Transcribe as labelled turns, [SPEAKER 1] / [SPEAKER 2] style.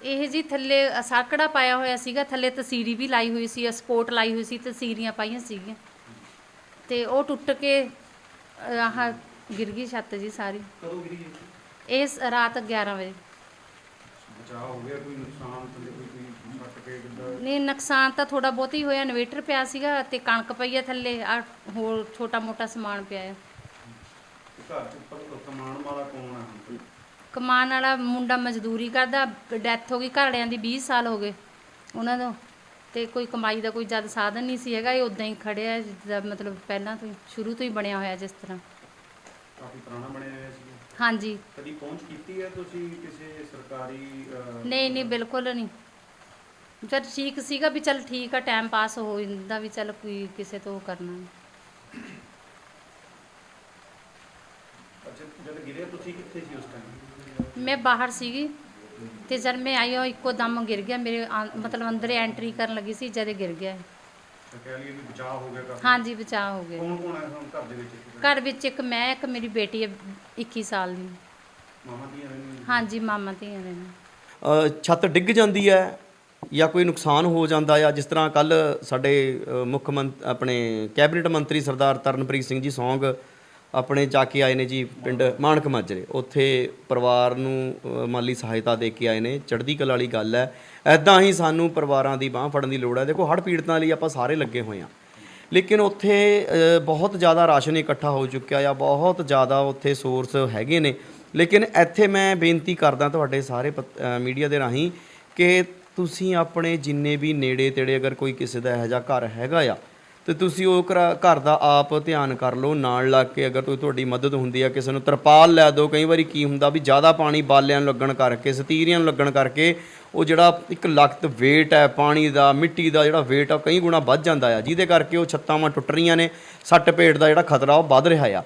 [SPEAKER 1] ਇਹ ਜੀ ਥੱਲੇ ਸਾਕੜਾ ਪਾਇਆ ਹੋਇਆ ਸੀਗਾ, ਥੱਲੇ ਤਸੀਰੀ ਵੀ ਲਾਈ ਹੋਈ ਸੀ, ਸਪੋਰਟ ਲਾਈ ਹੋਈ ਸੀ, ਤਸੀਰੀਆਂ ਪਾਈਆਂ ਸੀਗੀਆਂ ਤੇ ਉਹ ਟੁੱਟ ਕੇ ਆਹ ਗਿਰ ਗਈ ਛੱਤ ਜੀ ਸਾਰੀ।
[SPEAKER 2] ਕਦੋਂ ਗਿਰੀ ਜੀ?
[SPEAKER 1] ਰਾਤ 11 ਵਜੇ।
[SPEAKER 2] ਬਚਾਅ ਹੋ ਗਿਆ? ਕੋਈ ਨੁਕਸਾਨ ਥੱਲੇ ਕੋਈ ਸੱਟ ਕੇ ਕਿੱਦਾਂ?
[SPEAKER 1] ਨਹੀਂ, ਨੁਕਸਾਨ ਤਾਂ ਥੋੜਾ ਬਹੁਤ ਹੀ ਹੋਇਆ। ਇਨਵੇਟਰ ਪਿਆ ਸੀਗਾ ਤੇ ਕਣਕ ਪਈ ਆ ਥੱਲੇ, ਆ ਹੋਰ ਛੋਟਾ ਮੋਟਾ ਸਮਾਨ ਪਿਆ ਆ।
[SPEAKER 2] ਘਰ ਚ ਉੱਪਰ ਕਮਾਉਣ ਵਾਲਾ ਕੌਣ ਆ?
[SPEAKER 1] ਕਮਾਉਣ ਵਾਲਾ ਮੁੰਡਾ ਮਜ਼ਦੂਰੀ ਕਰਦਾ, ਡੈਥ ਹੋ ਗਈ ਘਰੜਿਆਂ ਦੀ, 20 ਸਾਲ ਹੋ ਗਏ ਉਹਨਾਂ ਨੂੰ, ਤੇ ਕੋਈ ਕਮਾਈ ਦਾ ਕੋਈ ਜ਼ਿਆਦਾ ਸਾਧਨ ਨਹੀਂ ਸੀ ਹੈਗਾ। ਇਹ ਉਦਾਂ ਹੀ ਖੜਿਆ ਜਿੱਦਾਂ ਮਤਲਬ ਪਹਿਲਾਂ ਤੋਂ ਹੀ ਸ਼ੁਰੂ ਤੋਂ ਹੀ ਬਣਿਆ ਹੋਇਆ ਜਿਸ ਤਰ੍ਹਾਂ।
[SPEAKER 2] ਕਾਫੀ ਪੁਰਾਣਾ ਬਣਿਆ ਹੋਇਆ ਸੀ।
[SPEAKER 1] ਹਾਂਜੀ।
[SPEAKER 2] ਕਦੀ ਪਹੁੰਚ ਕੀਤੀ ਹੈ ਤੁਸੀਂ ਕਿਸੇ ਸਰਕਾਰੀ?
[SPEAKER 1] ਨਹੀਂ ਨਹੀਂ, ਬਿਲਕੁਲ ਨਹੀਂ। ਜਦ ਠੀਕ ਸੀਗਾ ਵੀ ਚੱਲ ਠੀਕ ਆ, ਟਾਈਮ ਪਾਸ ਹੋ ਜਾਂਦਾ ਵੀ ਚੱਲ ਕੋਈ ਕਿਸੇ ਤੋਂ ਕਰਨਾ।
[SPEAKER 2] ਅੱਛਾ, ਜਦ ਗਿਰਿਆ ਤੁਸੀਂ ਕਿੱਥੇ ਸੀ ਉਸ ਟਾਈਮ?
[SPEAKER 1] ਮੈਂ ਬਾਹਰ ਸੀਗੀ ਤੇ ਜਦ ਮੈਂ ਆਈ ਉਹ ਇੱਕੋ ਦਮ ਗਿਰ ਗਿਆ ਮੇਰੇ, ਮਤਲਬ ਅੰਦਰ ਐਂਟਰੀ ਕਰਨ ਲੱਗੀ ਸੀ ਜਦ ਗਿਰ ਗਿਆ।
[SPEAKER 2] ਤਾਂ ਕਹਿ ਲਈਏ ਵੀ ਬਚਾਅ ਹੋ ਗਿਆ ਕਾਫੀ।
[SPEAKER 1] ਹਾਂਜੀ, ਬਚਾਅ ਹੋ ਗਿਆ।
[SPEAKER 2] ਕੌਣ ਕੌਣ ਹੈ ਹੁਣ ਘਰ ਦੇ ਵਿੱਚ?
[SPEAKER 1] ਘਰ ਵਿੱਚ ਇੱਕ ਮੈਂ, ਇੱਕ ਮੇਰੀ ਬੇਟੀ ਹੈ 21 ਸਾਲ ਦੀ।
[SPEAKER 2] ਮਾਮਾ ਦੀਆਂ ਰਹਿੰਦੀਆਂ?
[SPEAKER 1] ਹਾਂਜੀ, ਮਾਮਾ ਧੀਆਂ ਨੇ।
[SPEAKER 3] ਛੱਤ ਡਿੱਗ ਜਾਂਦੀ ਹੈ ਜਾਂ ਕੋਈ ਨੁਕਸਾਨ ਹੋ ਜਾਂਦਾ ਆ, ਜਿਸ ਤਰ੍ਹਾਂ ਕੱਲ ਸਾਡੇ ਆਪਣੇ ਕੈਬਨਿਟ ਮੰਤਰੀ ਸਰਦਾਰ ਤਰਨਪ੍ਰੀਤ ਸਿੰਘ ਜੀ ਸੌਂਗ ਆਪਣੇ ਜਾ ਕੇ ਆਏ ਨੇ ਜੀ ਪਿੰਡ ਮਾਣਕ ਮਾਜਰੇ, ਉੱਥੇ ਪਰਿਵਾਰ ਨੂੰ ਮਾਲੀ ਸਹਾਇਤਾ ਦੇ ਕੇ ਆਏ ਨੇ। ਚੜ੍ਹਦੀ ਕਲਾ ਵਾਲੀ ਗੱਲ ਹੈ। ਐਦਾਂ ਹੀ ਸਾਨੂੰ ਪਰਿਵਾਰਾਂ ਦੀ ਬਾਂਹ ਫੜਨ ਦੀ ਲੋੜ ਹੈ। ਦੇਖੋ, ਹੜ੍ਹ ਪੀੜਤਾਂ ਲਈ ਆਪਾਂ ਸਾਰੇ ਲੱਗੇ ਹੋਏ ਹਾਂ, ਲੇਕਿਨ ਉੱਥੇ ਬਹੁਤ ਜ਼ਿਆਦਾ ਰਾਸ਼ਨ ਇਕੱਠਾ ਹੋ ਚੁੱਕਿਆ ਆ, ਬਹੁਤ ਜ਼ਿਆਦਾ ਉੱਥੇ ਸੋਰਸ ਹੈਗੇ ਨੇ। ਲੇਕਿਨ ਇੱਥੇ ਮੈਂ ਬੇਨਤੀ ਕਰਦਾ ਤੁਹਾਡੇ ਸਾਰੇ ਮੀਡੀਆ ਦੇ ਰਾਹੀਂ ਕਿ ਤੁਸੀਂ ਆਪਣੇ ਜਿੰਨੇ ਵੀ ਨੇੜੇ ਤੇੜੇ ਅਗਰ ਕੋਈ ਕਿਸੇ ਦਾ ਇਹੋ ਜਿਹਾ ਘਰ ਹੈਗਾ ਆ, ਅਤੇ ਤੁਸੀਂ ਉਹ ਘਰ ਦਾ ਆਪ ਧਿਆਨ ਕਰ ਲਓ, ਨਾਲ ਲੱਗ ਕੇ ਅਗਰ ਤੁਹਾਡੀ ਮਦਦ ਹੁੰਦੀ ਆ, ਕਿਸੇ ਨੂੰ ਤਰਪਾਲ ਲੈ ਦਿਓ। ਕਈ ਵਾਰੀ ਕੀ ਹੁੰਦਾ ਵੀ ਜ਼ਿਆਦਾ ਪਾਣੀ ਬਾਲਿਆਂ ਨੂੰ ਲੱਗਣ ਕਰਕੇ, ਸਤੀਰੀਆਂ ਨੂੰ ਲੱਗਣ ਕਰਕੇ ਉਹ ਜਿਹੜਾ ਇੱਕ ਲਖਤ ਵੇਟ ਹੈ ਪਾਣੀ ਦਾ, ਮਿੱਟੀ ਦਾ ਜਿਹੜਾ ਵੇਟ ਆ ਕਈ ਗੁਣਾ ਵੱਧ ਜਾਂਦਾ ਆ, ਜਿਹਦੇ ਕਰਕੇ ਉਹ ਛੱਤਾਂ ਟੁੱਟ ਰਹੀਆਂ ਨੇ, ਸੱਟ ਪੇਟ ਦਾ ਜਿਹੜਾ ਖਤਰਾ ਉਹ ਵੱਧ ਰਿਹਾ ਆ।